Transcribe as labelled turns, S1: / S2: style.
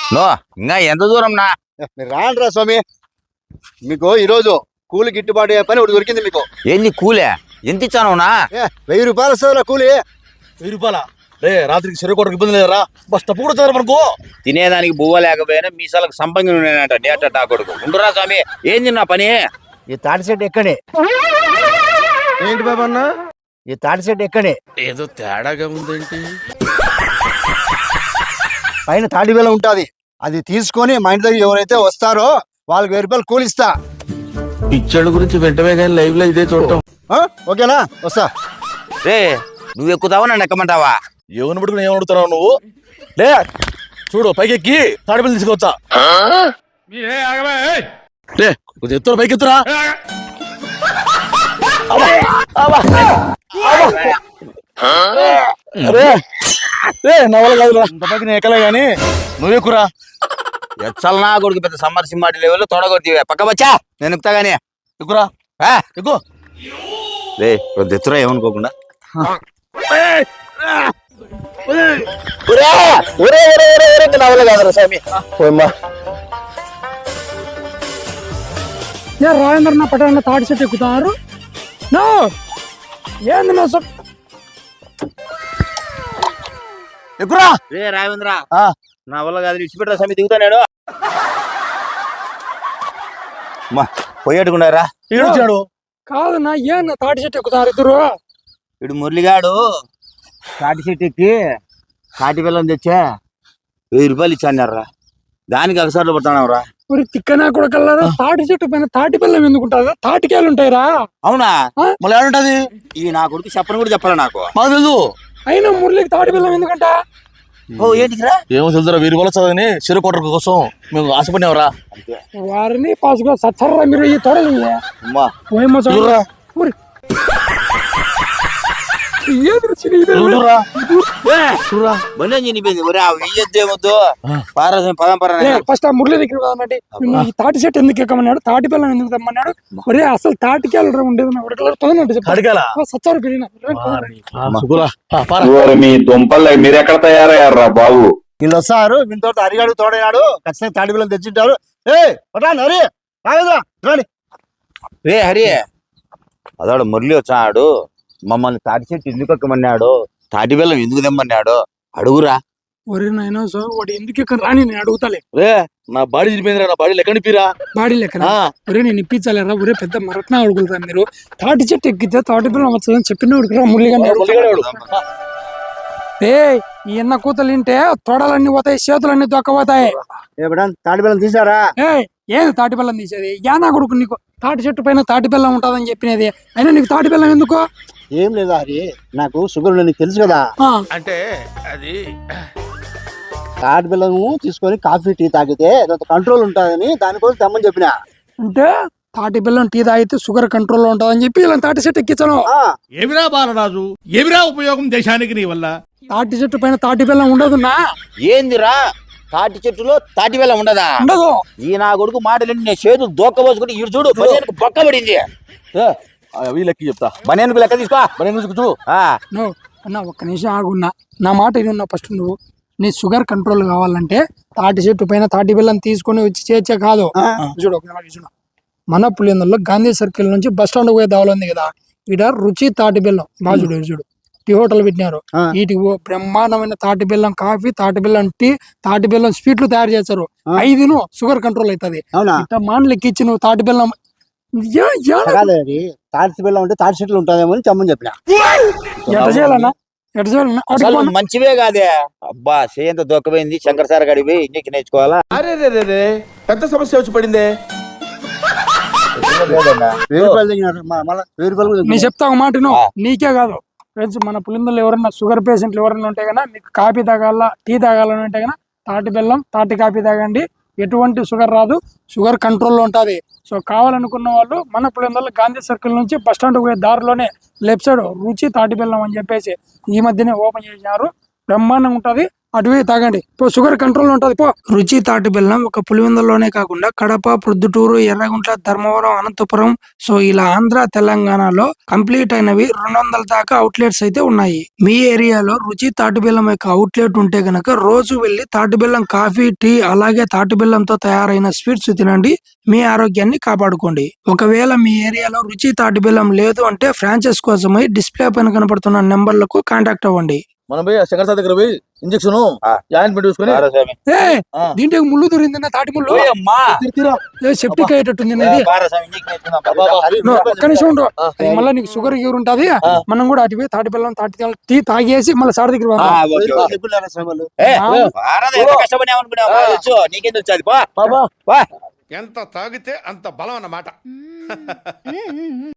S1: No ఇంకా ఎంత దూరం నా
S2: మీరు రాండ్రా స్వామి. మీకు ఈరోజు కూలి గిట్టుబాటు అయ్యే పని ఒకటి దొరికింది మీకు.
S1: ఏంది కూలే ఎంత ఇచ్చాను నా
S2: 1000 రూపాయలు వస్తుందిరా కూలి.
S3: 1000 రూపాయల రే రాత్రికి చెరుకోవడానికి ఇబ్బంది లేదురా. బస్ తప్పు కూడా మనకు
S1: తినేదానికి బువ్వ లేకపోయినా మీసాలకు సంపంగి ఉన్నాయంట డేటా టా కొడుకు. ఉండురా స్వామి ఏంది నా పని?
S2: ఈ తాటి చెట్టు ఎక్కడే.
S3: ఏంటి బాబా అన్న?
S2: ఈ తాటి చెట్టు ఎక్కడే.
S3: ఏదో తేడాగా ఉందేంటి?
S2: పైన తాటి బెల్లం ఉంటుంది, అది తీసుకొని మా ఇంటి దగ్గర ఎవరైతే వస్తారో వాళ్ళకి 1000 రూపాయలు కూలిస్తా.
S3: పిచ్చడు గురించి వెంటనే కానీ లైవ్ లో ఇదే చూడటం.
S2: ఓకేనా? వస్తా.
S1: రే నువ్వు ఎక్కుతావా నన్ను ఎక్కమంటావా?
S3: ఎవరిని పట్టుకుని ఏమడుగుతున్నావు నువ్వు? లే చూడు పైకి ఎక్కి తాడిపల్లి తీసుకొచ్చా. లే కొంచెం ఎత్తురా, పైకి ఎత్తురా. నా వల్ల కాదు, ఇంత పైకి నేను ఎక్కలే గాని నువ్వు ఎక్కురా.
S1: ఎచ్చల్ నా కొడుకు పెద్ద సమ్మర్ సింహాటి లెవెల్ తొడగొట్టి పక్క వచ్చా నేను ఎక్కుతా గానీ.
S3: ఎక్కురా ఎక్కు.
S1: రే కొద్ది ఎత్తురా ఏమనుకోకుండా.
S2: నా వల్ల కాదురా స్వామి.
S4: రాజేంద్ర నా పట్టాల తాడి చెట్టు ఎక్కుతున్నారు. నో ఏంది నా
S2: ఎక్కురా.
S1: రే రావేంద్ర నా వల్ల కాదు ఇచ్చిపెట్టరా స్వామి దిగుతాడు. మా పోయేట్టుకున్నారా?
S3: వచ్చాడు
S4: కాదు నా ఏం తాటి చెట్టు ఎక్కుతున్నారు ఇద్దరు.
S1: ఇడు మురళిగాడు తాటి చెట్టు ఎక్కి తాటి బెల్లం తెచ్చా 1000 రూపాయలు ఇచ్చాన్నారా. దానికి అగసార్లు పడుతున్నావు రా.
S4: మరి తిక్కనా కూడా కలరా. తాటి చెట్టు పైన తాటి బెల్లం ఎందుకుంటారు? తాటికాయలు ఉంటాయిరా.
S1: అవునా?
S3: మళ్ళీ ఏడుంటది?
S1: ఈ నా కొడుకు చెప్పని కూడా చెప్పాలా నాకు.
S3: మాకు తెలుసు.
S4: అయినా మురళికి తాటి బెల్లం ఎందుకంట?
S1: ఓ ఏంటిరా?
S3: ఏమో తెలుసురా. 1000 రూపాయలు చదివి చెరుకోట కోసం మేము ఆశపడినవరా.
S4: వారిని పాసుగా సచ్చర్రా మీరు ఈ తొడలు. ఫస్ట్ ఆ మురళి దగ్గర కదన్నట్టు ఈ తాటి చెట్టు ఎందుకు ఎక్కమన్నాడు, తాటి బెల్లం ఎందుకు తెమ్మన్నాడు. ఒరే అసలు తాటికాయలు ఉండేది సచ్చారు పెరిగిన
S5: మీ దుంపలు మీరు ఎక్కడ తయారయ్యారా బాబు?
S2: వీళ్ళు వస్తారు, వీళ్ళతో అరిగాడు తోడైనాడు, ఖచ్చితంగా తాటి బెల్లం తెచ్చింటారు.
S1: రే హరి అదాడు మురళి వచ్చాడు, మమ్మల్ని తాటి చెట్టు ఎందుకు ఎక్కమన్నాడు, తాటి బెల్లం ఎందుకు తెమ్మన్నాడు అడుగురా.
S4: ఒరే నాయన సో వాడు ఎందుకు ఎక్కడ రాని నేను అడుగుతాలే.
S3: రే నా బాడీ చిరిపోయిందిరా. నా బాడీ లెక్క నిప్పిరా. బాడీ లెక్క
S4: ఒరే నేను ఇప్పించాలేరా. ఒరే పెద్ద మరట్న అడుగుతారా మీరు. తాటి చెట్టు ఎక్కితే తాటి బెల్లం వచ్చదని చెప్పిన అడుగురా మురళిగా. ఏ ఈ ఎన్న కూతలు తింటే తొడలన్నీ పోతాయి, చేతులన్నీ దొక్కపోతాయి.
S2: తాటి బెల్లం తీసారా?
S4: ఏది తాటి బెల్లం తీసేది? యానా కొడుకు నీకు తాటి చెట్టు పైన తాటి బెల్లం ఉంటదని చెప్పినది. అయినా నీకు తాటి బెల్లం ఎందుకు?
S2: ఏం లేదా హరి, నాకు షుగర్ నీకు తెలుసు కదా.
S3: అంటే అది
S2: తాటి బెల్లము తీసుకొని కాఫీ టీ తాగితే కంట్రోల్ ఉంటుందని దానికోసం తెమ్మని చెప్పిన.
S4: అంటే తాటి బెల్లం టీ తాగితే షుగర్ కంట్రోల్ లో ఉంటుందని చెప్పి ఇలా తాటి చెట్టు ఎక్కించాను.
S6: ఏమిరా బాలరాజు, ఏమిరా ఉపయోగం దేశానికి నీ వల్ల?
S4: తాటి చెట్టు పైన తాటి బెల్లం ఉండదున్నా.
S1: ఏందిరా తాటి చెట్టులో తాటి బెల్లం ఉండదా?
S4: ఉండదు.
S1: ఈ నా కొడుకు మాటలు నేను చేతులు దోక్కబోసుకుంటే ఇటు చూడు బనియన్కు బొక్క పడింది.
S3: లెక్క చెప్తా.
S1: బనియన్కు లెక్క తీసుకో.
S4: అన్న ఒక్క నిమిషం ఆగున్నా, నా మాట ఇది ఉన్నా. ఫస్ట్ నువ్వు నీ షుగర్ కంట్రోల్ కావాలంటే తాటి చెట్టు పైన తాటి బెల్లం తీసుకొని వచ్చి చేర్చే కాదు. చూడు చూడు, మన పులిందల్లో గాంధీ సర్కిల్ నుంచి బస్ స్టాండ్ పోయే దావలు ఉంది కదా, ఈడ రుచి తాటి బెల్లం బాగా చూడు. చూడు టీ హోటల్ పెట్టినారు. వీటికి బ్రహ్మాండమైన తాటి బెల్లం కాఫీ, తాటి బెల్లం టీ, తాటి బెల్లం స్వీట్లు తయారు చేస్తారు. 5 షుగర్ కంట్రోల్ అవుతుంది. మాటలు ఎక్కించి నువ్వు తాటి బెల్లం
S2: తాటి బెల్లం అంటే తాటి చెట్లు ఉంటాయేమో అని చెప్పమని చెప్పిన.
S4: ఎట్లా చేయాలన్నా? ఎట్లా చేయాలన్నా?
S1: మంచివే కాదే. అబ్బా చేయంత దొక్కపోయింది. శంకర్ సార్ గడివి ఇంజక్షన్ నేర్చుకోవాలా.
S3: అరే రే పెద్ద సమస్య వచ్చి పడిందే.
S4: నేను చెప్తా ఒక మాట, నీకే కాదు ఫ్రెండ్స్, మన పులిందలు ఎవరన్నా షుగర్ పేషెంట్లు ఎవరన్నా ఉంటే కన్నా, మీకు కాఫీ తాగాల టీ తాగాలని ఉంటే కన్నా తాటి బెల్లం తాటి కాఫీ తాగండి. ఎటువంటి షుగర్ రాదు, షుగర్ కంట్రోల్లో ఉంటుంది. సో కావాలనుకున్న వాళ్ళు మన పులిందలు గాంధీ సర్కిల్ నుంచి బస్ స్టాండ్ పోయే దారిలోనే లెఫ్ట్ సైడ్ రుచి తాటి బెల్లం అని చెప్పేసి ఈ మధ్యనే ఓపెన్ చేసినారు. బ్రహ్మాండంగా ఉంటుంది. అటువే తాగండి ఇప్పుడు షుగర్ కంట్రోల్ ఉంటది పో. రుచి తాటి బెల్లం ఒక పులివెందుల్లోనే కాకుండా కడప, ప్రొద్దుటూరు, ఎర్రగుంట్ల, ధర్మవరం, అనంతపురం సో ఇలా ఆంధ్ర, తెలంగాణలో కంప్లీట్ అయినవి 200 దాకా అవుట్లెట్స్ అయితే ఉన్నాయి. మీ ఏరియాలో రుచి తాటి బెల్లం యొక్క అవుట్లెట్ ఉంటే గనక రోజు వెళ్లి తాటి బెల్లం కాఫీ, టీ అలాగే తాటి బెల్లంతో తయారైన స్వీట్స్ తినండి. మీ ఆరోగ్యాన్ని కాపాడుకోండి. ఒకవేళ మీ ఏరియాలో రుచి తాటి బెల్లం లేదు అంటే ఫ్రాంచైజ్ కోసమై డిస్ప్లే పైన కనపడుతున్న నెంబర్లకు కాంటాక్ట్ అవ్వండి.
S3: మనం పోయి శంకర్ సార్ దగ్గర పోయి ఇంజక్షన్ జాయింట్మెంట్ చూసుకొని
S1: సరే స్వామి.
S4: దీంట్లో ముళ్ళు దొరింది తాటి ముళ్ళు
S1: ఓయ్ అమ్మా.
S4: సెప్టిక్ అయ్యేటట్టుంది ఇది.
S1: పారా స్వామి, ఇంజెక్షన్ వేసుకుందాం.
S4: ఒక్క నిమిషం ఉండు. అది మళ్ళీ నీకు షుగర్ గివర్ ఉంటది. మనం కూడా అటు పోయి తాటి బెల్లం టీ తాగేసి మళ్ళీ సార్ దగ్గర
S1: ఆ,
S4: పోదాం.
S1: Okay, okay.
S2: చెప్పులేరా శ్రమలు
S1: పారా, ఎంత కష్టపడినామనుకున్నావా? తెలుసు, నీకెందుకు వచ్చేది? పో. పో.
S6: ఎంత తాగితే అంత బలం అన్నమాట.